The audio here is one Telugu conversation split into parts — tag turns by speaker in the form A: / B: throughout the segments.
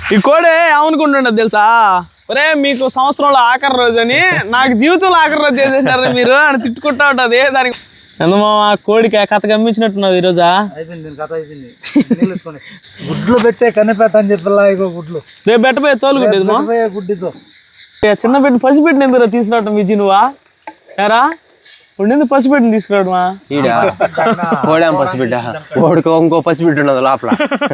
A: ఈ కోడే ఏమనుకుంటుండదు తెలుసా, ఒరే మీకు సంవత్సరంలో ఆఖరి రోజు అని నాకు జీవితంలో ఆఖరి రోజు చేసేసినారు మీరు అని తిట్టుకుంటా ఉంటది. దానికి ఎందుమా కోడికి కథ గమ్మించినట్టున్నావు ఈ రోజా?
B: గుడ్లు పెట్టే కనిపెట్ట అని చెప్పి గుడ్లు
A: రేపు పెట్టపోయే తోలుకుంటేది
B: గుడ్డితో
A: చిన్న బిడ్డ పసిబిడ్డని ఎందుకు తీసుకురావటం విజి నువ్వా ఎరా ఉండింది పసిబిడ్డని తీసుకురావడమా?
C: కోడాం పసిబిడ్డ కోడికి ఇంకో పసిబిడ్డ ఉన్నది లోపల.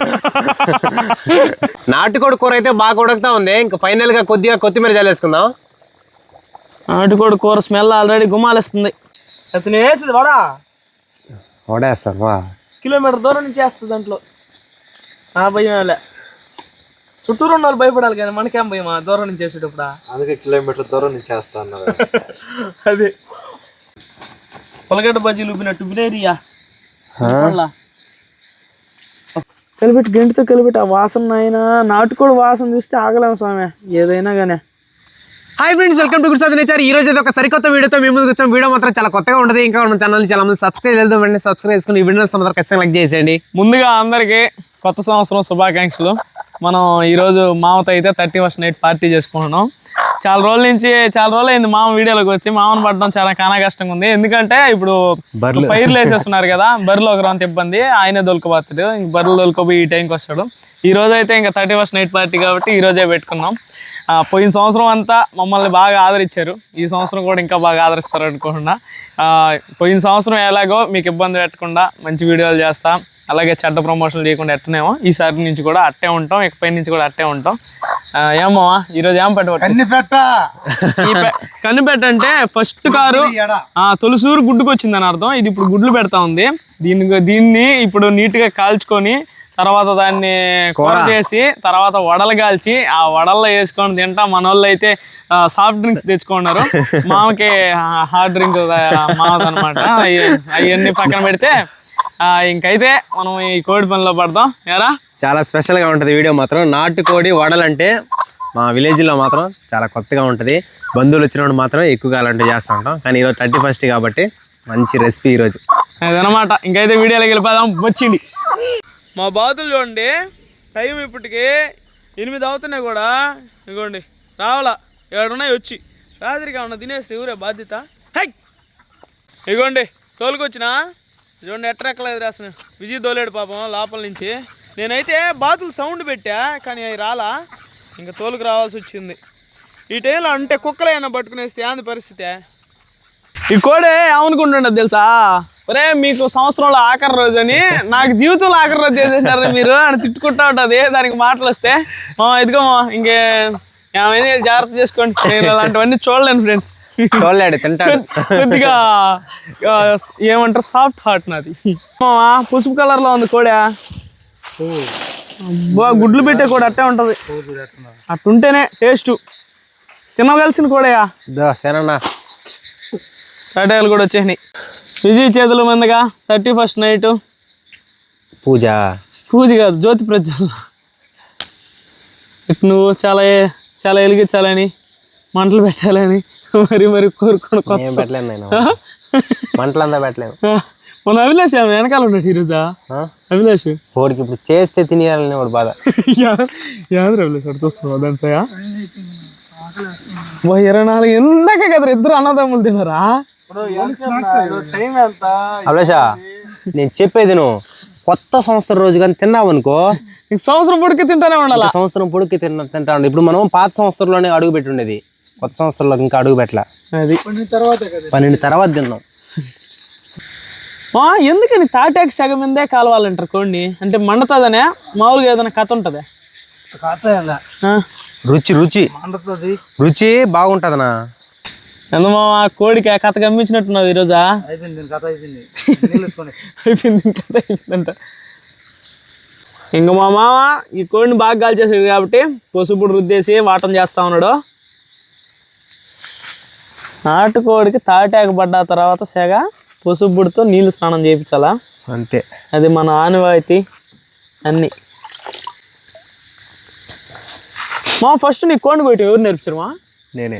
C: నాటుకోడి కూర అయితే బాగా ఉడకుతా ఉంది. ఇంకా ఫైనల్ గా కొద్దిగా కొత్తిమీర జల్లేసుకుందాం.
A: నాటుకోడి కూర స్మెల్ ఆల్రెడీ గుమాలేస్తుంది. అతను వేసింది
C: వడేస్తారు
A: కిలోమీటర్ దూరం నుంచి వేస్తుంది. దాంట్లో ఆ భయం చుట్టూరు ఉన్న వాళ్ళు భయపడాలి కానీ మనకేం భయమా దూరం నుంచి వేసేటప్పుడు?
B: అందుకే కిలోమీటర్ దూరం నుంచి వేస్తా అన్నారు.
A: అదే పొలగడ్డ బజ్జీలు ఉబ్బినట్టు బిలేరియా కలిపెట్టి గంటితో కలిపెట్టి ఆ వాసన ఆయన నాటుకోడి వాసన చూస్తే ఆగలేము స్వామి ఏదైనా కానీ.
C: Hi friends, welcome to good Sadhana nature. ఈ రోజు అయితే ఒక సరికొత్త వీడియోతో మేము ముందుకు వచ్చాం. వీడియో మాత్రం చాలా కొత్తగా ఉంటుంది. ఇంకా మన ఛానల్ చాలా మంది సబ్స్క్రైబ్ చేద్దాం. వెంటనే సబ్స్క్రైబ్ చేసుకుని ఈ వీడియోని మాత్రం ఖచ్చితంగా లైక్ చేసేయండి.
A: ముందుగా అందరికీ కొత్త సంవత్సరం శుభాకాంక్షలు. మనం ఈరోజు మామతో అయితే 31st నైట్ పార్టీ చేసుకుంటున్నాం. చాలా రోజులు అయింది మామ వీడియోలోకి వచ్చి. మామను పడడం చాలా కానా కష్టంగా ఉంది. ఎందుకంటే ఇప్పుడు పైర్లు వేసేస్తున్నారు కదా, బర్రెలు ఒక రౌండ్ ఇబ్బంది. ఆయనే దొలకపోతాడు, ఇంక బర్రెలు దొలకపోయి ఈ టైంకి వస్తాడు. ఈ రోజు అయితే ఇంకా 31st నైట్ పార్టీ కాబట్టి ఈ రోజే పెట్టుకున్నాం. పోయిన సంవత్సరం అంతా మమ్మల్ని బాగా ఆదరించారు. ఈ సంవత్సరం కూడా ఇంకా బాగా ఆదరిస్తారు అనుకుంటున్నా. పోయిన సంవత్సరం ఎలాగో మీకు ఇబ్బంది పెట్టకుండా మంచి వీడియోలు చేస్తాం, అలాగే చెడ్డ ప్రమోషన్లు చేయకుండా ఎట్టనేమో ఈసారి నుంచి కూడా అట్టే ఉంటాం, ఇకపై నుంచి కూడా అట్టే ఉంటాం. ఏమో ఈరోజు ఏం కనిపెట్ట అంటే ఫస్ట్ కారు తొలిసూరు గుడ్డుకు వచ్చిందని అర్థం. ఇది ఇప్పుడు గుడ్లు పెడతా ఉంది. దీన్ని ఇప్పుడు నీట్గా కాల్చుకొని తర్వాత దాన్ని కూర చేసి తర్వాత వడలు కాల్చి ఆ వడల్లో వేసుకొని తింటా. మన వాళ్ళు అయితే సాఫ్ట్ డ్రింక్స్ తెచ్చుకున్నారు. మామకి హార్డ్ డ్రింక్ మామది అనమాట. అవన్నీ పక్కన పెడితే ఇంకైతే మనం ఈ కోడి పనిలో పడదాం. ఎరా
C: చాలా స్పెషల్గా ఉంటుంది వీడియో మాత్రం. నాటుకోడి వడలు అంటే మా విలేజ్లో మాత్రం చాలా కొత్తగా ఉంటుంది. బంధువులు వచ్చినప్పుడు మాత్రం ఎక్కువగా అలాంటివి చేస్తూ ఉంటాం. కానీ ఈరోజు 31st కాబట్టి మంచి రెసిపీ ఈరోజు
A: అదనమాట. ఇంకైతే వీడియోలోకి వెళ్ళిపోదాం. వచ్చింది మా బాతులు చూడండి. టైం ఇప్పటికి 8 అవుతున్నాయి కూడా. ఇగోండి రావాలా 7 ఉన్నాయి వచ్చి. రాత్రికి ఏమన్నా తినేస్తే ఊరే బాధ్యత. హై ఇగోండి తోలుకొచ్చినా చూడండి ఎట్టరెక్కలేదు రాసిన. విజయ్ తోలేడు పాపం లోపల నుంచి. నేనైతే బాతులు సౌండ్ పెట్టా కానీ అవి రాలా. ఇంకా తోలుకు రావాల్సి వచ్చింది. ఈ టైంలో అంటే కుక్కలైనా పట్టుకునేస్తే ఏంది పరిస్థితి? ఈ కోడే ఏమనుకుంటుండదు తెలుసా, ఒరే మీకు సంవత్సరంలో ఆఖరి రోజు అని నాకు జీవితంలో ఆఖరి రోజు చేసేసినారు మీరు అని తిట్టుకుంటా ఉంటుంది. దానికి మాటలు వస్తే ఇదిగో ఇంకే ఏమైనా జాగ్రత్త చేసుకోండి. నేను అలాంటివన్నీ చూడలేను ఫ్రెండ్స్.
C: చూడలేడు తింటాడు.
A: కొద్దిగా ఏమంటారు సాఫ్ట్ హార్ట్ నాది. పసుపు కలర్ లో ఉంది కోడా. గుడ్లు పెట్టే కూడా అట్టే ఉంటది. అట్టుంటేనే టేస్ట్. తినగలిసిన కోడయా టాటాలు కూడా వచ్చేసినాయి. విజయ్ చేతుల మందగా 31st నైట్
C: పూజ
A: కాదు జ్యోతి ప్రజ్వల. నువ్వు చాలా చాలా వెలిగించాలని మంటలు పెట్టాలని మరి కోరుకోను.
C: మంటలంతా పెట్టలేము.
A: మన అభిలాష్ వెనకాల ఉన్నాడు ఈరోజా. అభిలాష్
C: వాడికి ఇప్పుడు చేస్తే తినేయాలని వాడు బాధ.
A: అభిలాష్ వాడు చూస్తున్నావు దాని సయా 24 ఎందాకే కదా ఇద్దరు అన్నదమ్ములు తిన్నారా?
C: అభిలాషా నేను చెప్పేది నువ్వు కొత్త సంవత్సరం రోజు కానీ తిన్నావు అనుకో
A: సంవత్సరం పొడికి తింటానే ఉండాలి.
C: సంవత్సరం పొడికి తింటా ఉండే. ఇప్పుడు మనం పాత సంవత్సరంలోనే అడుగు పెట్టి ఉండేది, కొత్త సంవత్సరంలో ఇంకా అడుగు పెట్టలే.
A: అది
C: 12 తర్వాత తిన్నాం.
A: ఎందుకని తాటాకి సగం మీదే కాలవాలంటారు కోడిని? అంటే మండుతుందనే మామూలుగా ఏదైనా కథ ఉంటుంది?
C: రుచి బాగుంటుందనా?
A: ఎందుమా కోడికి కథ గమ్మించినట్టున్నావు ఈరోజా? అయిపోయిందంట. ఇంక మా మామ ఈ కోడిని బాగా కాల్చేసాడు కాబట్టి పసుపుడు రుద్దేసి వాటం చేస్తా ఉన్నాడు. నాటుకోడికి తాటాకు పడ్డ తర్వాత సెగ పసుపుడితో నీళ్ళు స్నానం చేయించాలా
C: అంతే.
A: అది మన ఆనవాయితీ అన్నీ. మా ఫస్ట్ నీ కోడిని కొట్టి ఎవరు నేర్పించారు? మా
C: నేనే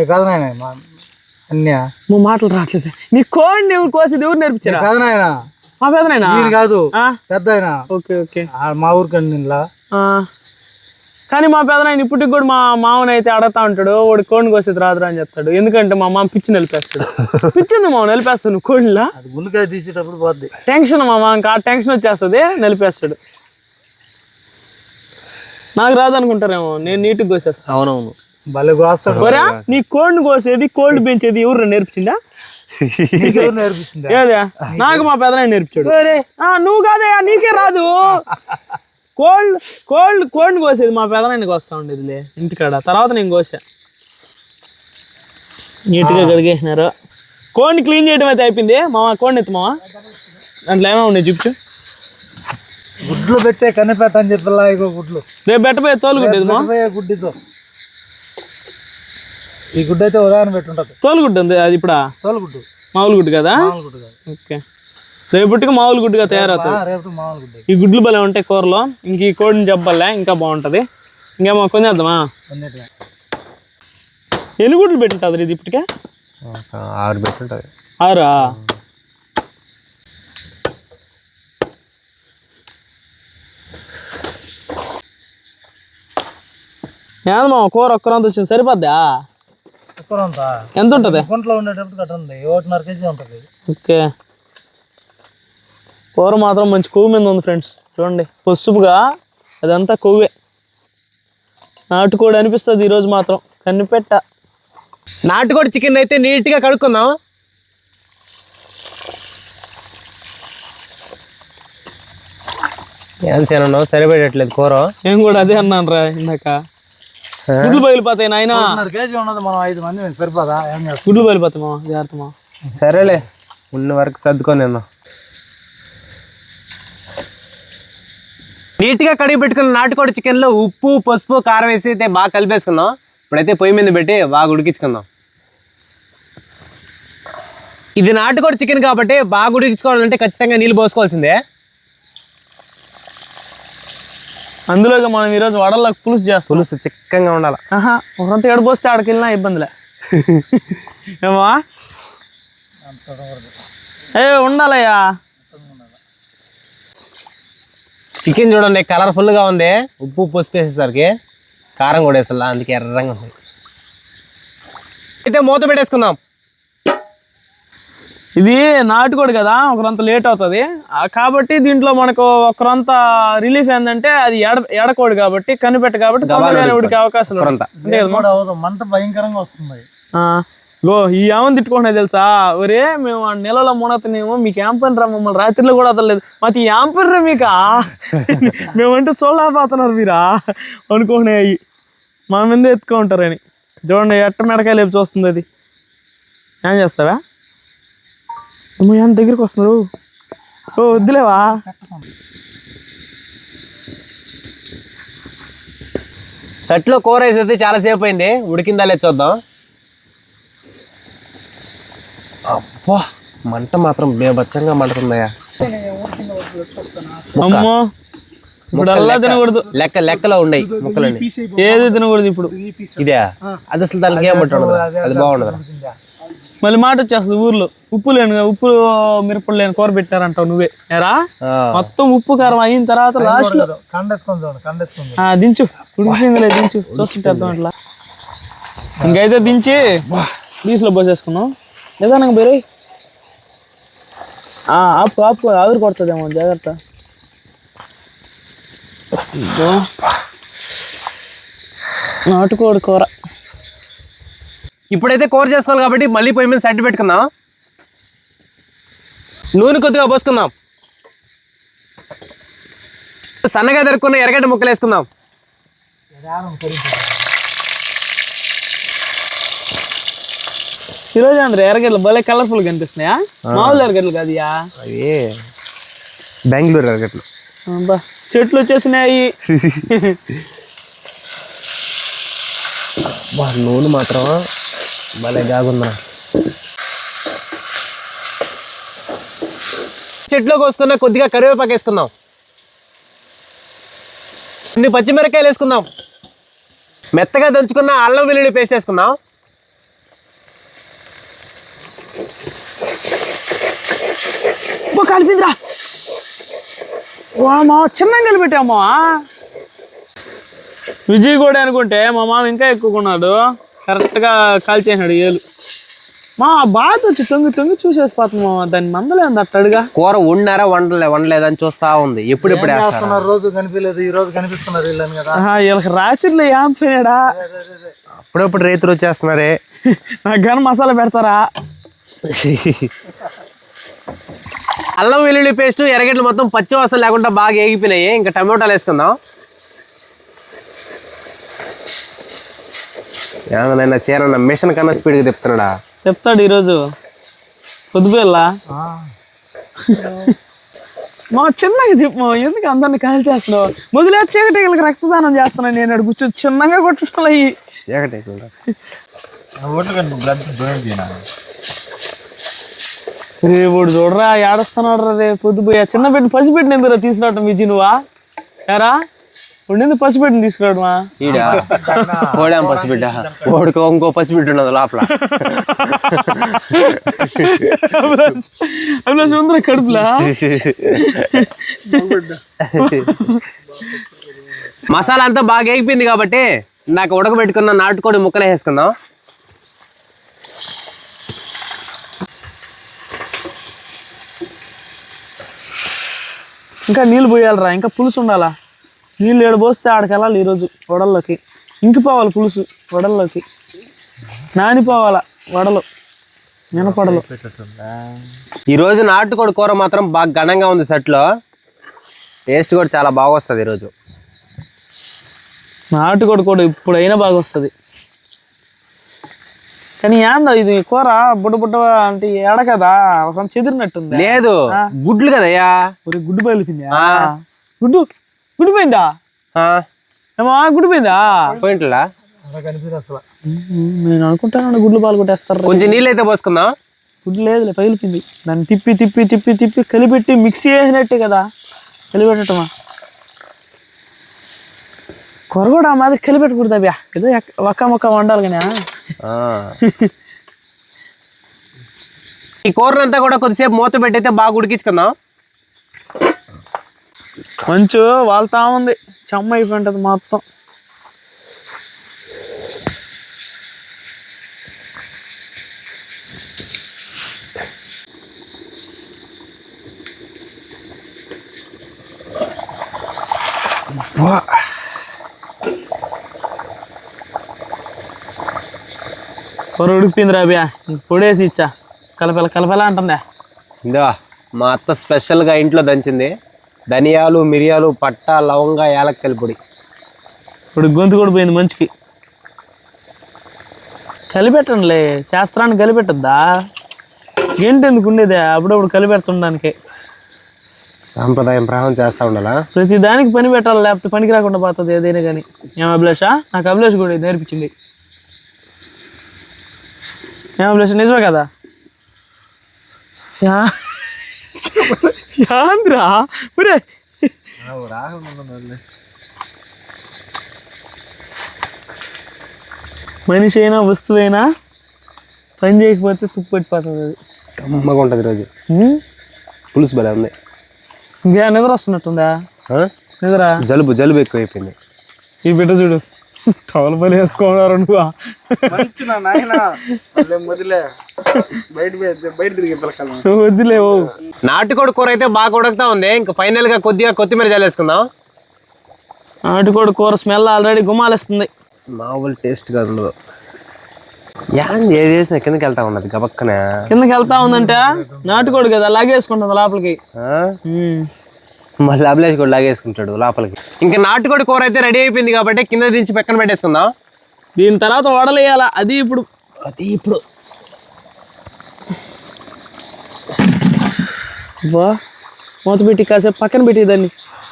A: మా మాటలు రావట్లేదు. నీ కోడిని ఎవరు కోసేది ఎవరు నేర్పించారు? మా పెదనాయనా
B: ఈయన కాదు
A: ఆ,
B: పెద్ద ఆయన
A: ఓకే ఓకే
B: మా ఊరికండి ఇంట్లో
A: ఆ. కానీ మా పెదనాయన ఇప్పటికి కూడా మా మామని అయితే అడగతా ఉంటాడు వాడు కోడిని కోసేది రాదురా అని చెప్తాడు. ఎందుకంటే మా మామ పిచ్చి నిలిపేస్తాడు. పిచ్చింది మామ నిలిపేస్తాడు నువ్వు కోడిలా
B: అది గుండెకాయ తీసేటప్పుడు పోద్ది.
A: టెన్షన్ మామ, ఇంకా టెన్షన్ వచ్చేస్తుంది నిలిపేస్తాడు. నాకు రాదనుకుంటారేమో, నేను నీట్గా కోసేస్తాను.
C: అవునవును,
B: భలే కోస్తాడు.
A: ఒరా నీ కోడిని కోసేది కోళ్ళు పెంచేది ఎవరు నేర్పించిందా?
B: ఎవరు నేర్పిస్తుంది?
A: ఏదా నాకు మా పెదనాయన నేర్పించాడు. నువ్వు కాదయ్యా, నీకే రాదు. కోడిని కోసేది మా పెదనాయన కోస్తా ఉండేదిలే ఇంటికాడ. తర్వాత నేను కోసా. నీట్గా కడిగేసినారు. కోడిని క్లీన్ చేయడం అయితే అయిపోయింది. మామ కోడిని ఎత్తు మామ, దాంట్లో ఏమో ఉన్నాయి చూపించు.
B: గుడ్లు పెట్టే కనిపెట్ట అని చెప్పిలా ఇగో గుడ్లు.
A: రేపు బెట్టపోయే తోలుగుడ్డేది మా
B: గుడ్డితో ఈ గుడ్డు అయితే ఉదాహరణ పెట్టుంటది.
A: తోలుగుడ్డు ఉంది అది ఇప్పుడు
B: తోలుగుడ్డు
A: మామూలు గుడ్డు కదా?
B: గుడ్డు కాదు.
A: ఓకే, రేపటికి మామూలు గుడ్డుగా తయారవుతుంది.
B: రేపు మామూలు గుడ్డు.
A: ఈ గుడ్లు భలే ఉంటాయి కూరలో. ఇంక ఈ కోడిని చెప్పాలే ఇంకా బాగుంటుంది. ఇంకేమో కొనేద్దామా? ఎన్ని గుడ్లు పెట్టుంటుంది ఇది ఇప్పటికే?
C: 6 పెట్టుంటది.
A: 6? ఏమో మా కూర ఒక్కరంత వచ్చింది సరిపోద్దా? ఎంత ఉంటుంది?
B: గుంట్లో ఉండేటప్పుడు కట్ట ఉంది 1.5 kg ఉంటుంది.
A: ఓకే, కూర మాత్రం మంచి కొవ్వు మీద ఉంది ఫ్రెండ్స్. చూడండి పసుపుగా అదంతా కొవ్వే. నాటుకోడి అనిపిస్తుంది ఈరోజు మాత్రం. కనిపెట్ట
C: నాటుకోడి చికెన్ అయితే నీట్గా కడుక్కుందాం. ఏం చేయను సరిపెట్టట్లేదు కూర.
A: నేను కూడా అదే అన్నాను రా ఇందాక. గుడ్లు పగిలిపోతాయి నాయన.
B: 1.5 kg ఉన్నది, మనం 5 మంది సరిపోదా? ఏం చేస్తాం?
A: గుడ్లు పగిలిపోతాయి మా జాగ్రత్త మా.
C: సరేలే, ఉన్న వరకు సర్దుకొని తిందాం. నీట్గా కడిగి పెట్టుకున్న నాటుకోడి చికెన్లో ఉప్పు పసుపు కారం వేసి అయితే బాగా కలిపేసుకుందాం. ఇప్పుడైతే పొయ్యి మీద పెట్టి బాగా ఉడికించుకుందాం. ఇది నాటుకోడి చికెన్ కాబట్టి బాగా ఉడికించుకోవాలంటే ఖచ్చితంగా నీళ్ళు పోసుకోవాల్సిందే.
A: అందులోగా మనం ఈరోజు వడలకు పులుసు చేస్తాం.
C: పులుసు చిక్కగా ఉండాలి.
A: ఒకరంత ఏడు పోస్తే ఆడికి వెళ్ళినా ఇబ్బందిలే ఏమా? ఉండాలయ్యా.
C: చికెన్ చూడండి కలర్ఫుల్గా ఉంది. ఉప్పు పసుపు వేసేసరికి కారం కూడా వేసా, అందుకే ఎర్రంగా ఉంది. అయితే మూత పెట్టేసుకుందాం.
A: ఇది నాటుకోడి కదా, ఒకరంత లేట్ అవుతుంది కాబట్టి దీంట్లో మనకు ఒకరంత రిలీఫ్ ఏంటంటే అది ఎడకోడి కాబట్టి కనిపెట్ట కాబట్టి తొందరగానే ఉడికే అవకాశాలు అంతే కదా.
B: మంట భయంకరంగా వస్తుంది.
A: గో ఈ ఏమని తిట్టుకుంటున్నా తెలుసా? ఒరే మేము నెలలో మునతనేమో మీకు ఏం పని రా, మమ్మల్ని రాత్రిలో కూడా వదలలేదు, మాకు ఏం పని రా మీకా, మేమంటే చూడలేకపోతున్నారు మీరా అనుకున్నాయి. మా మీద ఎత్తుకుంటారని. చూడండి ఎట్ట మెడకాయలు లేపు చూస్తుంది అది. ఏం చేస్తావా? ఎంత దగ్గరికి వస్తున్నారు? ఓ వద్దులేవా?
C: సెట్లో కూర వేసేది చాలాసేపు అయింది, ఉడికిందా లేదు చూద్దాం. అబ్బా మంట మాత్రం బేబచ్చంగా మండుతుందయ్యా.
A: అమ్మో ఇప్పుడు అల్లా తినకూడదు.
C: లెక్కలో ఉండయి ముక్కలండి.
A: ఏది తినకూడదు ఇప్పుడు.
C: ఇదే అది అసలు దానికి ఏం ఉండదు, అది బాగుండదు.
A: మళ్ళీ మాట వచ్చేస్తుంది ఊర్లో ఉప్పు లేను, ఉప్పు మిరపలు లేని కూర పెట్టారంటావు నువ్వే. ఎరా మొత్తం ఉప్పు కారం అయిన తర్వాత లాస్ట్ లో దించు. ఉడికిపోయిందిలే దించు, చూస్తుంటే అర్థం అట్లా. ఇంకైతే దించి డీస్లో పోసేసుకున్నాం. నిదానంగా బేరే ఆపు ఆపు, ఆవిరి కొడుతుందేమో జాగ్రత్త. నాటుకోడి కూర.
C: ఇప్పుడైతే కూర చేసుకోవాలి కాబట్టి మళ్ళీ పొయ్యి మీద సడ్డు పెట్టుకుందాం. నూనె కొద్దిగా పోసుకుందాం. సన్నగా తరుక్కున్న ఎర్రగడ్డ ముక్కలు వేసుకుందాం.
A: ఈరోజు అందరూ ఎర్రగడ్డలు భలే కలర్ఫుల్ కనిపిస్తున్నాయా? మామూలు ఎర్రగడ్డలు కాదు
C: అవి బెంగళూరు ఎర్రగడ్డలు.
A: చెట్లు వచ్చేసినాయి.
C: నూనె మాత్రం భలే గాగుందా. చెట్లో కోసుకున్న కొద్దిగా కరివేపాకు వేసుకుందాం. కొన్ని పచ్చిమిరకాయలు వేసుకుందాం. మెత్తగా దంచుకున్న అల్లం వెల్లుల్లి పేస్ట్ వేసుకుందాం.
A: కలిపిందిరా మా చిన్నగా కలిపెట్టామా. విజయ్ కూడా అనుకుంటే మా మామ ఇంకా ఎక్కువ కొన్నాడు, కరెక్ట్గా కాల్చేసినాడు ఏలు. మా బాధ వచ్చి తొంగి తొంగి చూసేసిపోతుంది మామ, దాన్ని మందలేదు అట్టడుగా.
C: కూర వండారా వండలేదని చూస్తా ఉంది. ఎప్పుడెప్పుడు వేస్తున్నారు?
B: రోజు కనిపించలేదు, ఈ రోజు కనిపిస్తున్నారు వీళ్ళని కదా.
A: వీళ్ళకి రాత్రిలో ఏం పోయాడా,
C: అప్పుడప్పుడు రైతులు వచ్చేస్తున్నారే.
A: నాకు కానీ మసాలా పెడతారా?
C: అల్లం వెల్లుల్లి పేస్ట్ ఎర్రగడ్డలు మొత్తం పచ్చి వాసన లేకుండా బాగా ఏగిపోయినాయి. ఇంకా టమాటాలు వేసుకుందాం. ఏమన్నా చీరన్న మిషన్ కన్నా స్పీడ్గా తిప్పుతున్నాడా?
A: చెప్తాడు ఈరోజు పొద్దుపేళ్ళ మా చిన్నగా తిప్పు, ఎందుకు అందరిని కాల్ చేస్తున్నావు? మొదలే చీకటికి రక్తదానం చేస్తున్నాను నేను, అడు కూర్చొని చిన్నగా కొట్టుకోవాలి. రేపు చూడరా ఏడుస్తున్నాడు రా, రేపు పొద్దుపోయా చిన్న బిడ్డ పసిబిడ్డని ఎందుకు తీసుకురావటం విజయ్ నువ్వా? ఎరా ఎందుకు పసిబిడ్డని తీసుకురావడమా?
C: ఓడాం పసిబిడ్డ, ఓడుకో ఇంకో పసిబిడ్డ ఉన్నది లోపల.
A: ఉందిరా కడుపులా.
C: మసాలా అంతా బాగా ఏగిపోయింది కాబట్టి నాకు ఉడకబెట్టుకున్న నాటుకోడి ముక్కలు వేసుకుందాం.
A: ఇంకా నీళ్ళు పోయాలరా, ఇంకా పులుసు ఉండాలా. నీళ్ళు ఏడు పోస్తే ఆడికి వెళ్ళాలి ఈరోజు వడల్లోకి. ఇంకిపోవాలి పులుసు వడల్లోకి, నానిపోవాలా వడలు మినపడలు.
C: ఈరోజు నాటుకోడి కూర మాత్రం బాగా ఘనంగా ఉంది సెట్లో. టేస్ట్ కూడా చాలా బాగా వస్తుంది ఈరోజు.
A: నాటుకోడి కూడా ఇప్పుడైనా బాగా వస్తుంది. కానీ ఏందో ఇది కూర బుడ్డ బుడ్డ అంటే ఏడ కదా ఒక చెదిరినట్టుంది.
C: లేదు గుడ్లు కదయ్యా.
A: గుడ్డు పగిలిపోయిందా? గుడ్డు పోయిందా ఏమో? గుడ్డు పోయిందా?
C: పోయింట్లా
B: కనిపించదు అసలు.
A: నేను అనుకుంటాను గుడ్లు పాలు కొట్టేస్తారు.
C: కొంచెం నీళ్ళు అయితే పోసుకుందాం.
A: గుడ్లు లేదులే, పగిలిపోయింది. దాన్ని తిప్పి తిప్పి తిప్పి తిప్పి కలిపెట్టి మిక్సీ వేసినట్టే కదా కలిపెట్టటమా. కూర కూడా ఆ మాదిరి కలిపెట్టకూడదు అబ్బా, ఏదో ఒక్క మొక్క వండాలి కానీ.
C: ఈ కూరనంతా కూడా కొద్దిసేపు మూత పెట్టయితే బాగా ఉడికించుకుందాం.
A: మంచు వాళ్తా ఉంది, చెమ్మ అయిపోయింటది మొత్తం. కూర ఉడికిపోయింది రాబియా, పొడేసి ఇచ్చా కలపల కలపల అంటుందా.
C: ఇందా మా అత్త స్పెషల్గా ఇంట్లో దంచింది ధనియాలు, మిరియాలు, పట్ట, లవంగా, యాలక్కల పొడి.
A: ఇప్పుడు గొంతు కూడా పోయింది మంచికి. కలిపెట్టండిలే, శాస్త్రాన్ని కలిపెట్టద్దా? ఏంటి ఎందుకు ఉండేదే అప్పుడప్పుడు కలిపెడుతుండడానికి.
C: సాంప్రదాయం ప్రకారం చేస్తూ ఉండాలా.
A: ప్రతి దానికి పని పెట్టాలి, లేకపోతే పనికి రాకుండా పోతుంది ఏదైనా కానీ. ఏం అభిలాషా? నాకు అభిలాష్ కూడా నేర్పించింది. ఏం అభిలాష నిజమే కదా? యాంద్రా పురే మనిషి అయినా వస్తువైనా పని చేయకపోతే తుప్పు పెట్టిపోతుంది. అది
C: కమ్మగా ఉంటుంది ఈరోజు. పులుసు భలే ఉంది.
A: ఇంకా నిద్ర వస్తున్నట్టుందా? నిద్ర
C: జలుబు ఎక్కువ అయిపోయింది.
A: ఈ బిడ్డ చూడు టవల్ పని వేసుకున్నారు నువ్వు. వద్దులేవు.
C: నాటుకోడి కూర అయితే బాగా ఉడకుతా ఉంది. ఇంకా ఫైనల్ గా కొద్దిగా కొత్తిమీర జల్లేసుకుందాం.
A: నాటుకోడి కూర స్మెల్ ఆల్రెడీ గుమాలేస్తుంది.
C: మామూలు టేస్ట్ గా ఉండదు. ఏది వేసినా కిందకి వెళ్తా ఉన్నది గబక్కన.
A: కిందకి వెళ్తా ఉందంటే నాటుకోడి కదా లాగేసుకుంటుంది లోపలికి.
C: మళ్ళీ అభిలాష్ కూడా లాగేసుకుంటాడు లోపలికి. ఇంకా నాటుకోడి కూర అయితే రెడీ అయిపోయింది కాబట్టి కింద దించి పక్కన పెట్టేసుకుందాం.
A: దీని తర్వాత వడలేయాలా. అది ఇప్పుడు మూత పెట్టి కాసేపు పక్కన పెట్టి దాన్ని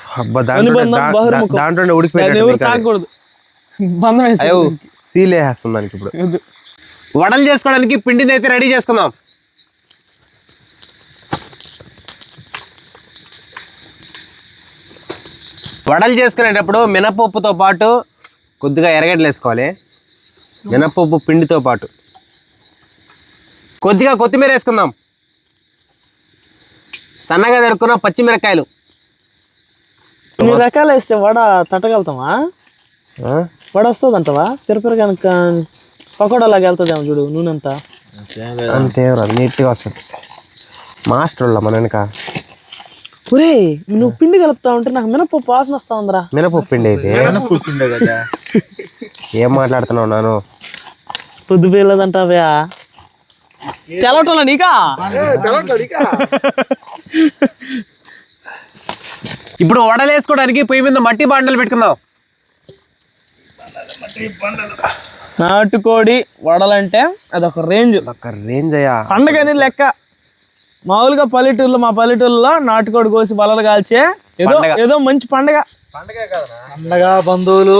C: దాంట్లో ఉడికి
A: తాగకూడదు. బంధం వేసి
C: సీల్ వేసేస్తాం దానికి. ఇప్పుడు వడలు చేసుకోవడానికి పిండిని అయితే రెడీ చేసుకుందాం. వడలు చేసుకునేటప్పుడు మినపప్పుతో పాటు కొద్దిగా ఎర్రగడ్డలు వేసుకోవాలి. మినపప్పు పిండితో పాటు కొద్దిగా కొత్తిమీర వేసుకుందాం. సన్నగా దొరుకున్న పచ్చిమిరకాయలు.
A: ఇన్ని రకాలు వేస్తే వడ తట్టగలుగుతామా? వడ వస్తుంది అంటవా? తిరుపతి కనుక పకోడాలాగా వెళ్తుందేమో చూడు నూనె అంతా.
C: అంతే రాదు, నీట్గా వస్తుంది. మాస్టర్ మన వెనక.
A: ఒరే నువ్వు పిండి కలుపుతా ఉంటే నాకు మినపప్పు వాసన వస్తా ఉందిరా.
C: మినపప్పు పిండి అయితే
B: కదా.
C: ఏం మాట్లాడుతున్నావు నాను?
A: పొద్దు పేర్లేదంటావా? తెలవటంలా నీకా?
C: ఇప్పుడు వడలు వేసుకోవడానికి పొయ్యి మీద మట్టి బాండలు పెట్టుకుందాం.
A: నాటుకోడి వడలంటే అదొక రేంజ్.
C: ఒక రేంజ్ అయ్యా.
A: పండగని లెక్క. మామూలుగా మా పల్లెటూరులో నాటుకోడి కోసి బలలు కాల్చే ఏదో మంచి పండగ.
B: పండగ బంధువులు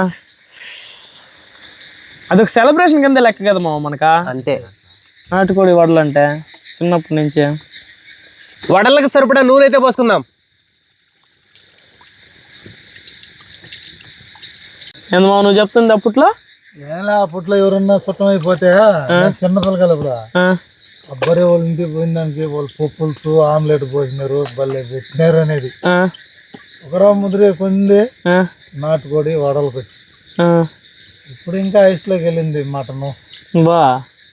A: అదొక సెలబ్రేషన్ కింద లెక్క కదా మనకా.
C: అంతే
A: నాటుకోడి వడలు అంటే చిన్నప్పటి నుంచే.
C: వడలకు సరిపడా నూనె అయితే పోసుకుందాం.
A: ఏందమ్మా నువ్వు చెప్తుంది అప్పట్లో?
B: ఎలా అప్పట్లో ఎవరన్నా సుట్టం అయిపోతే చిన్న పిల్లలు అబ్బరే వాళ్ళ ఇంటికి పోయినానికి వాళ్ళు పులుసు ఆమ్లెట్ పోసినారు, భలే పెట్టినారు అనేది. ఒకరా ముద్రే కొంది నాటుకోడి వడలకు వచ్చి. ఇప్పుడు ఇంకా ఐస్లోకి వెళ్ళింది మటను.
A: బా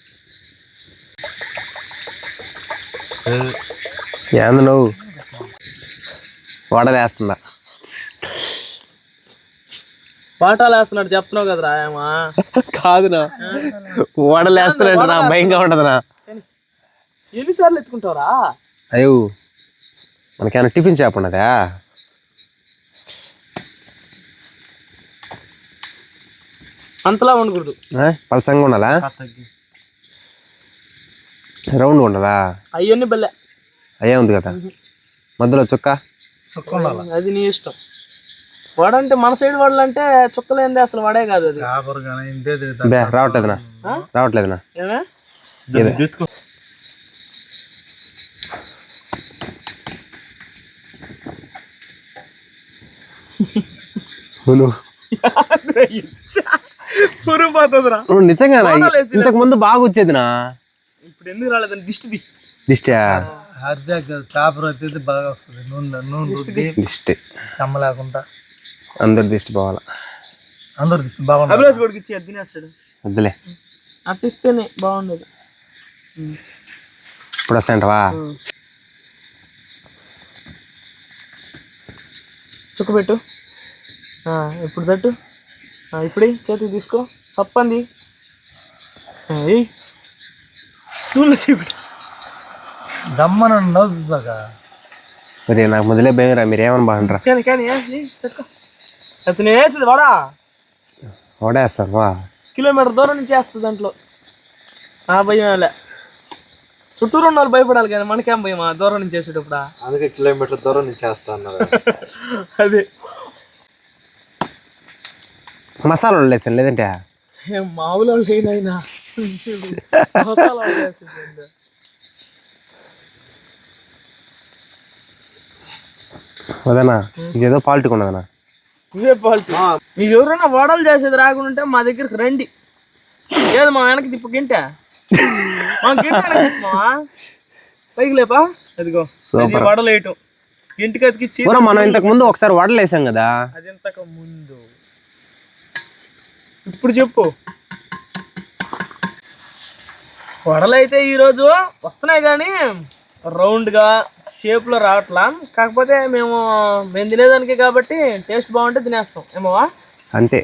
C: ఏంది నువ్వు వడలు వేస్తుందా?
A: పాఠాలు వేస్తున్నాడు చెప్తున్నావు కదరా ఏమా?
C: కాదునా, వడలు వేస్తున్నాడు నా భయంగా ఉండదునా.
A: ఎన్నిసార్లు ఎత్తుకుంటావురా?
C: అయ్యో మనకేమైనా టిఫిన్ షాప్ ఉన్నదా?
A: అంతలా ఉండకూడదు,
C: పలసంగా ఉండాలా? రౌండ్గా ఉండాలా?
A: అయ్యన్ని బల్లె
C: అయ్యే ఉంది కదా మధ్యలో చుక్క.
A: అది నీ ఇష్టం. వడంటే మన సైడ్ వడలంటే చుక్కలేంది అసలు వడే కాదు అది.
C: రావట్లేదునా? రావట్లేదునా?
A: ఏమే
C: నిజంగా ఇంతకు ముందు బాగా వచ్చేదినా,
A: ఇప్పుడు ఎందుకు రాలేదని దిష్టిది.
C: దిష్టా
B: పేపర్ అయితే బాగా వస్తుంది. నూనె
C: దిష్టి
B: చెమ్మ లేకుండా
C: అందరు దిష్టి పోవాలా.
B: అందరు దిష్టి బాగుంది.
A: అభిలాష్ కొడుకు ఇచ్చి అది తినేస్తాడు.
C: వద్దులే,
A: అట్టిస్తేనే బాగుండేది.
C: ఇప్పుడు వస్తాయంటవా?
A: చుక్క పెట్టు. ఇప్పుడు తట్టు. ఇప్పుడు చేతికి తీసుకో. సప్పంది
B: దమ్మన నవ్వు బాగా.
C: మరి నాకు మొదలే భయంరా, మీరేమని బాగుంటారా?
A: అతను వేసింది వాడా
C: ఓడేస్తారు వా.
A: కిలోమీటర్ దూరం నుంచి వేస్తుంది దాంట్లో. భయం లే, చుట్టూరు ఉన్న వాళ్ళు భయపడాలి కానీ మనకేం భయమా దూరం నుంచి వేసేటప్పుడు?
B: అందుకే కిలోమీటర్ దూరం నుంచి వేస్తా అన్నారు.
A: అదే
C: మసాలా వేసాను, లేదంటే
A: మామూలు వాళ్ళు లేనైనా
C: వదనా ఇదేదో పాలిటిక్ ఉన్నదనా?
A: ఇవే పాలిటీ. మీకు ఎవరైనా వడలు చేసేది రాకుండా మా దగ్గరికి రండి. ఏది మా వెనక్కి తిప్పు గింట మా గింట పైకి లేపా. అదిగో వడలు వేయటం ఇంటికి అతికిచ్చి.
C: మనం ఇంతకు ముందు ఒకసారి వడలు వేసాం కదా.
A: అది ఇంతకు ముందు. ఇప్పుడు చెప్పు. వడలు అయితే ఈరోజు వస్తున్నాయి కానీ రౌండ్గా షేప్లో రావట్లా. కాకపోతే మేము తినేదానికి కాబట్టి టేస్ట్ బాగుంటే తినేస్తాం ఏమోవా.
C: అంతే.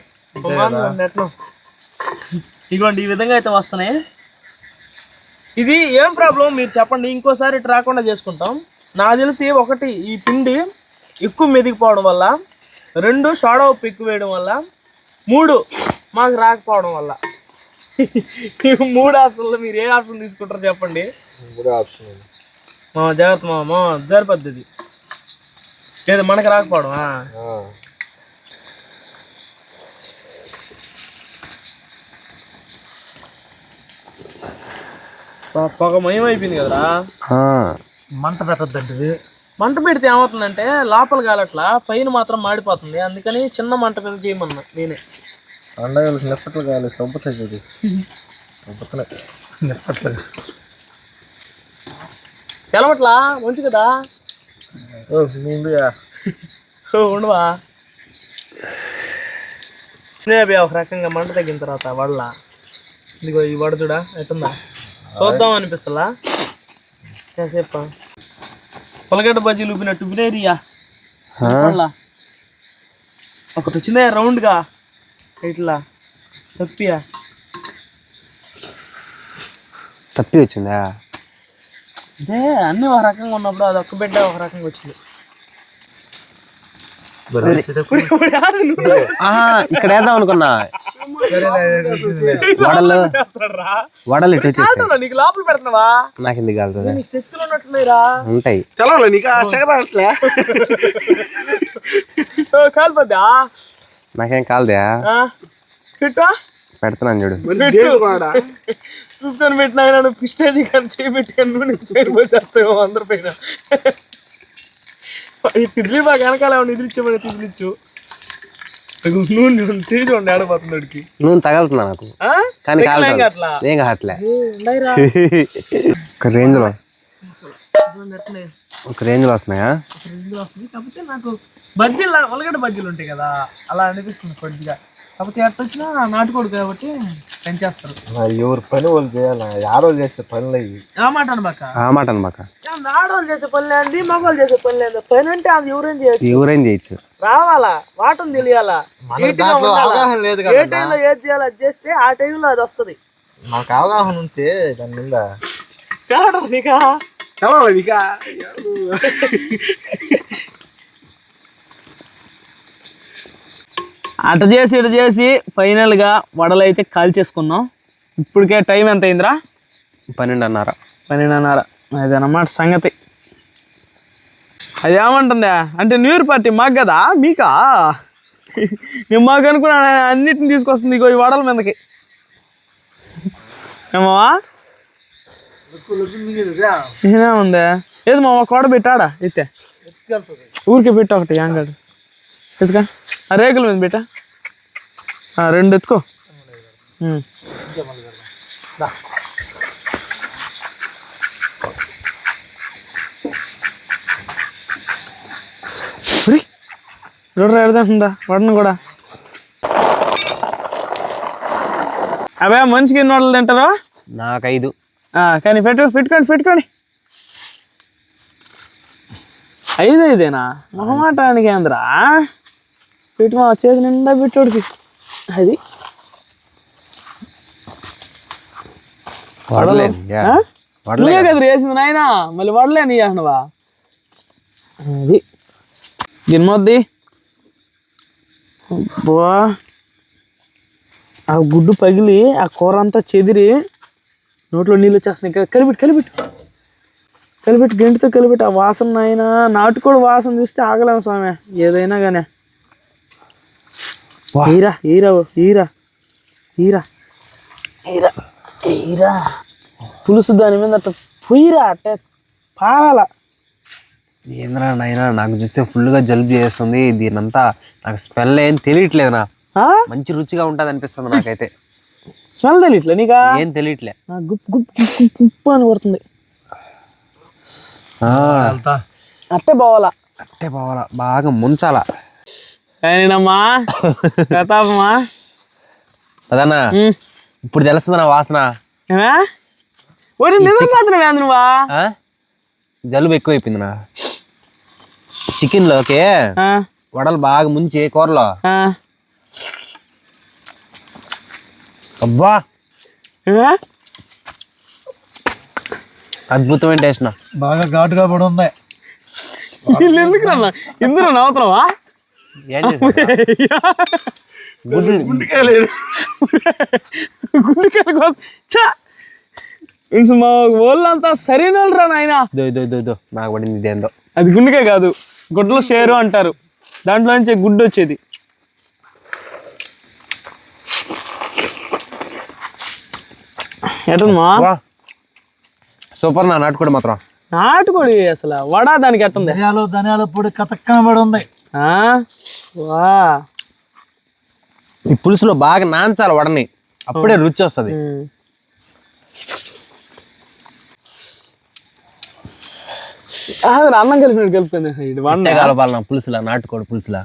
A: ఇదిగోండి ఈ విధంగా అయితే వస్తున్నాయి. ఇది ఏం ప్రాబ్లం మీరు చెప్పండి, ఇంకోసారి ఇటు రాకుండా చేసుకుంటాం. నాకు తెలిసి ఒకటి ఈ పిండి ఎక్కువ మెదిగిపోవడం వల్ల, 2 సోడా ఉప్పు ఎక్కువ వేయడం వల్ల, 3 మాకు రాకపోవడం వల్ల. 3 ఆప్షన్లో మీరు ఏ ఆప్షన్ తీసుకుంటారో చెప్పండి.
B: 3 ఆప్షన్
A: జాగ్రత్త మా జరిపద్ధతి లేదు మనకి రాకపోవడం. పొగ మయం అయిపోయింది కదరా.
B: మంట పెట్టద్దండి.
A: మంట పెడితే ఏమవుతుందంటే లోపల కాలట్లా, పైన మాత్రం మాడిపోతుంది. అందుకని చిన్న మంట మీద చేయమన్నా నేనే.
B: పండగలకు నిప్పట్లు కావాలి, తొంపుతాయి కదా. నిప్పట్లే
A: తెలవట్లా మంచి కదా ఉండవా ఒక రకంగా మంట తగ్గిన తర్వాత వడల ఇదిగో ఈ వడ చూడా ఎట్టుందా చూద్దాం అనిపిస్తలా కాసేప పొలగడ్డ బజ్జీలు ఉబ్బినట్టు బినేరియా ఒకటి వచ్చిందే రౌండ్గా ఇట్లా
C: తప్పి వచ్చిందా
A: అంటే అన్నీ ఒక రకంగా ఉన్నప్పుడు అది ఒక్క బిడ్డ ఒక రకంగా వచ్చింది
C: ఇక్కడ వేద్దాం అనుకున్నా వడలు ఇటు వచ్చేస్తాయి.
A: నీకు లోపల పెడుతున్నావా
C: నాకు ఎందుకు కాలుతుంది
A: నీకు శక్తులు ఉన్నట్టున్నాయిరా
C: ఉంటాయి
A: తెలవాలి నీకు సెగదాట్లే కాలిపోద్దా
C: నాకేం కాలదా
A: ఫిట్టా
C: పెడుతున్నాను చూడు
A: చూసుకొని పెట్టినా పిస్టేజీ కానీ చేయబెట్టి కానీ పేరు పోసేస్తామో అందరి పైన తిదిలి బాగా వెనకాల నిద్రించమని తిదిలిచ్చు నూనె చేయి చూడండి ఆడపోతుంది వాడికి
C: నూనె తగలుతున్నా నాకు కానీ ఏం కావట్లే ఒక రేంజ్ లో వస్తున్నాయా
A: వస్తుంది కాకపోతే నాకు బజ్జీలు ఉల్లగడ్డ బజ్జీలు ఉంటాయి కదా అలా అనిపిస్తుంది కొద్దిగా కాకపోతే ఎట్ట వచ్చినా నాటుకోడు కాబట్టి పెంచేస్తారు
B: ఎవరు పని వాళ్ళు చేయాలి ఆడవాళ్ళు చేసే పనులు ఇవి
A: ఆ మాట అనబాక ఆడవాళ్ళు చేసే పనులే అంది మగవాళ్ళు చేసే పనులే అంది పని అంటే అది ఎవరేం చేయొచ్చు
C: రావాలా
A: వాటం తెలియాలా
B: అవగాహన లేదు
A: ఏ టైంలో ఏది చేయాలి అది చేస్తే ఆ టైంలో అది వస్తుంది
B: మాకు అవగాహన ఉంటే దాని మీద
A: అట చేసి ఇటు చేసి ఫైనల్గా వడలు అయితే కాల్చేసుకున్నాం. ఇప్పటికే టైం ఎంత అయిందిరా?
C: 12:30
A: అదన్నమాట సంగతి. అది ఏమంటుందా అంటే న్యూ ఇయర్ పార్టీ మాకు కదా మీకా? నేను మాకు అనుకున్నా అన్నిటిని తీసుకొస్తుంది ఇగో ఈ వడల మీదకి ఏమా ఉందా ఏది మా కోడ పెట్టాడా ఎత్తే ఊరికే పెట్టా ఒకటి యాంగాడు ఎత్తుకా ఆ రేకుల మీద పెట్టా 2 ఎత్తుకో. చూడరా ఎడదంటుందా వడను కూడా. అవే మనిషికి ఎన్ని వడలు తింటారా?
C: నాకు 5.
A: కానీ పెట్టుకోండి 5 మొహమాటానికి ఏంద్రా పెట్టి మా చేతి నిండా పెట్టోడికి అది వడలే కదా వేసింది నాయన మళ్ళీ వడలే నీ అంటున్నావా? అది గిన్నొద్ది బా ఆ గుడ్డు పగిలి ఆ కూర అంతా చెదిరి నోట్లో నీళ్ళు వచ్చేస్తున్నాయి. కలిపెట్టు గంటితో కలిపెట్టు. ఆ వాసన అయినా నాటుకోడి వాసన చూస్తే ఆగలేము స్వామి ఏదైనా కానీ. ఈరా పులుసు దాని మీద అట్ట పొయ్యిరా అట్టే పారాలా.
C: ఏంద్రా నాయనా నాకు చూస్తే ఫుల్గా జలుబు చేస్తుంది. దీనంతా నాకు స్మెల్ ఏం తెలియట్లేదునా. మంచి రుచిగా ఉంటుంది అనిపిస్తుంది నాకైతే.
A: స్మెల్ తెలియట్లే నీకా?
C: ఏం తెలియట్లే.
A: గుప్ గుప్ గుప్ అని కొడుతుంది. అట్టే పోవాలా
C: బాగా ముంచాలా.
A: అయినమ్మా ప్రతాపమా
C: అదన్నా ఇప్పుడు తెలుస్తుందన్నా వాసన.
A: నువ్వా
C: జలుబు ఎక్కువైపోయిందినా. చికెన్ లోకి వడలు బాగా ముంచి కూరలో అబ్బా అద్భుతమైన టేస్ట్.
B: బాగా ఘాటుగా పడి ఉంది.
A: ఎందుకు రన్నా ఇందులో నవ్వుతున్నావా?
C: ఏం గుండెకాయలు
A: మా వాళ్ళంతా సరైన వాళ్ళు రా నాయన.
C: నాకు పడింది ఇదేందో.
A: అది గుండెకాయ కాదు గుడ్డలో షేరు అంటారు. దాంట్లో నుంచి గుడ్డు వచ్చేది. ఎట్టమ్మా
C: సూపర్ నా నాటుకోడి మాత్రం.
A: నాటుకోడి అసలు వడ దానికి ఎట్టుంది?
B: ధనియాల పొడి కతక్కనబడి ఉంది.
A: వా
C: ఈ పులుసులో బాగా నాంచాలి వడని, అప్పుడే రుచి వస్తుంది.
A: అన్నం కలిపినట్టు కలిపింది
C: కలపాలన్నా పులుసులా, నాటుకోడి పులుసులా.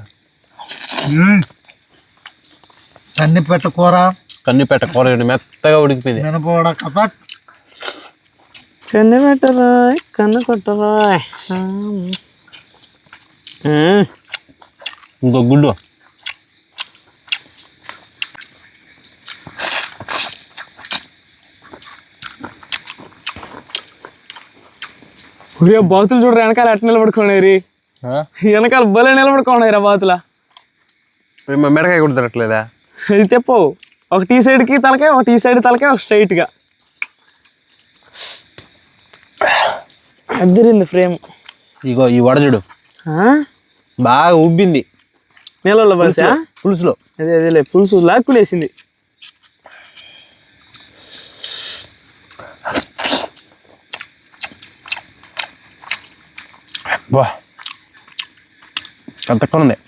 B: కన్నిపెట్ట కూర,
C: కన్నిపెట్ట కూర మెత్తగా ఉడికిపోయింది.
B: మినపవడ కథ,
A: కన్ను పెట్టరాయ్ కన్ను కొట్టరాయ్.
C: ఇంకో గుడ్డు.
A: బాతులు చూడరా వెనకాల ఎట్ట నిలబడుకోండి, వెనకాల భలే నిలబడుకోండి రా బాతుల.
C: మిరకాయ కూడా తిరగట్లేదా?
A: ఇది తెప్పవు, ఒక టీ సైడ్కి తలకాయ, ఒక టీ సైడ్ తలకాయ, ఒక స్ట్రైట్గా అద్దరింది ఫ్రేమ్.
C: ఇగో ఈ వడ చూడు బాగా ఉబ్బింది
A: నీళ్ళలో బలిసా
C: పులుసులో.
A: అదేలే పులుసు లాక్కులేసింది.
C: బా కతక్కువ ఉంది,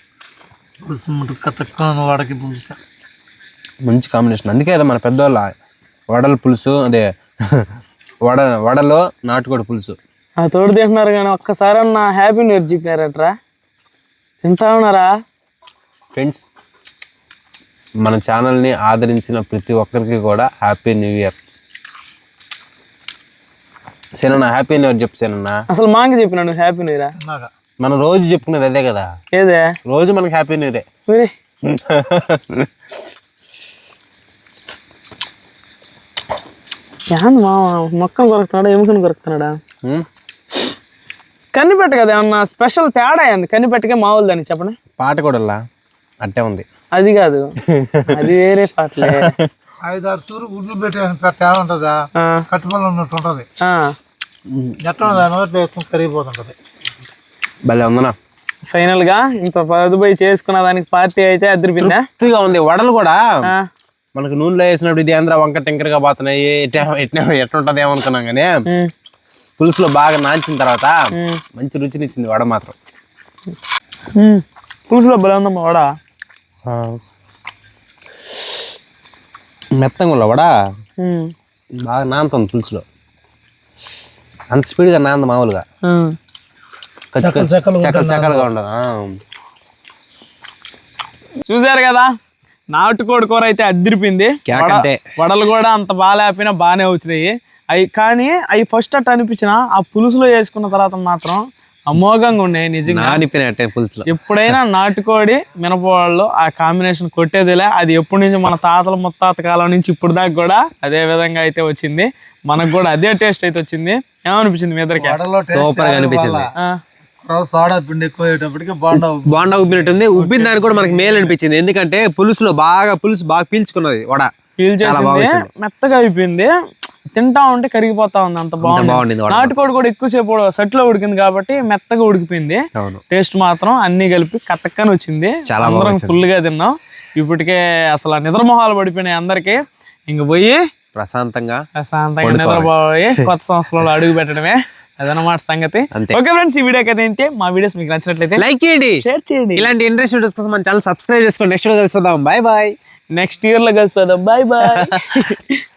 B: వాడకి పులుసు
C: మంచి కాంబినేషన్. అందుకే కదా మన పెద్దవాళ్ళ వడల పులుసు, అదే వడలో నాటుకోడి పులుసు
A: ఆ తోడు తింటున్నారు కానీ ఒక్కసారి అన్న హ్యాపీ న్యూ ఇయర్ చెప్పినారట్రా, తింటా ఉన్నారా?
C: ఫ్రెండ్స్, మన ఛానల్ని ఆదరించిన ప్రతి ఒక్కరికి కూడా హ్యాపీ న్యూ ఇయర్. సేనన్నా హ్యాపీ న్యూ ఇయర్ చెప్పు సేనన్నా.
A: అసలు మాకి చెప్పినా నువ్వు హ్యాపీ న్యూ ఇయర్?
C: మనం రోజు చెప్పుకునేది అదే కదా,
A: ఏదే
C: రోజు మనకి హ్యాపీ న్యూ ఇయర్.
A: మా మొక్కను కొరుకుతున్నాడా, ఎముకను కొరుకుతున్నాడా? కనిపెట్ట కదా ఏమన్నా స్పెషల్ తేడా అయింది కనిపెట్టకే మామూలు దాన్ని చెప్పండి.
C: పాట కూడా అట్టే ఉంది.
A: అది కాదు, అది వేరే పాటలే.
B: 5-6 చూరు గుడ్లు పెట్టే ఉంటుందా, కట్టుబడి ఉన్నట్టు ఉంటుంది. ఎట్లా కరిగిపోతుంటది.
C: భలే ఉందనా.
A: ఫైనల్ గా ఇంత పదుపోయి చేసుకున్న దానికి పార్టీ అయితే అదిరిపోయిందా?
C: తృప్తిగా ఉంది. వడలు కూడా మనకు నూనెలో వేసినప్పుడు ఇది ఆంధ్ర వంక టెంకరగా పోతున్నాయి, ఎట్లుంటది ఏమనుకున్నాం కానీ పులుసులో బాగా నాంచిన తర్వాత మంచి రుచినిచ్చింది వడ మాత్రం.
A: పులుసులో భలే ఉందమ్మా వడ,
C: మెత్తంగా వడ బాగా నానుతుంది పులుసులో. అంత స్పీడ్గా నాంది మామూలుగా చక్కలుగా ఉండదు.
A: చూసారు కదా, నాటుకోడి కూర అయితే అద్దరిపోయింది. వడలు కూడా అంత బాగా లేకపోయినా బాగానే వచ్చినాయి అవి. కానీ అవి ఫస్ట్ అట్ట అనిపించిన ఆ పులుసులో వేసుకున్న తర్వాత మాత్రం అమోఘంగా ఉన్నాయి నిజంగా.
C: పులుసులో
A: ఎప్పుడైనా నాటుకోడి మినపవాళ్ళు ఆ కాంబినేషన్ కొట్టేదిలే. అది ఎప్పటి నుంచి మన తాతల ముత్తాత కాలం నుంచి ఇప్పుడు దాకా కూడా అదే విధంగా అయితే వచ్చింది. మనకు కూడా అదే టేస్ట్ అయితే వచ్చింది. ఏమనిపించింది మీ ఇద్దరికి?
C: సూపర్ గా అనిపించింది.
B: సోడా పిండి ఎక్కువయ్యేటప్పటికి
C: బాండా ఉబ్బినట్టుంది. ఉబ్బిన దానికి కూడా మనకి మేలు అనిపించింది, ఎందుకంటే పులుసు బాగా పీల్చుకున్నది వడ,
A: పీల్చేసింది, మెత్తగా అయిపోయింది. తింటా ఉంటే కరిగిపోతా ఉంది, అంత బాగుంది. నాటుకోడి కూడా ఎక్కువసేపు సట్లో ఉడికింది కాబట్టి మెత్తగా ఉడికిపోయింది. టేస్ట్ మాత్రం అన్ని కలిపి కట్టక్కని వచ్చింది. అందరం ఫుల్ గా తిన్నాం. ఇప్పటికే అసలు నిద్రమొహాలు పడిపోయినాయి అందరికి. ఇంక పోయి ప్రశాంతంగా నిద్రపోయి కొత్త సంవత్సరంలో అడుగు పెట్టడమే అదనమాట సంగతి. ఓకే ఫ్రెండ్స్, ఈ వీడియోకి అయితే మా వీడియోస్ మీకు నచ్చినట్లయితే లైక్ చేయండి, షేర్ చేయండి. ఇలాంటి ఇంట్రెస్ట్ వీడియోస్ కోసం మన ఛానల్ సబ్స్క్రైబ్ చేసుకోండి. నెక్స్ట్ వీడియో కలిసిపోదాం. Bye bye. నెక్స్ట్ ఇయర్ లో కలిసిపోదాం. Bye bye.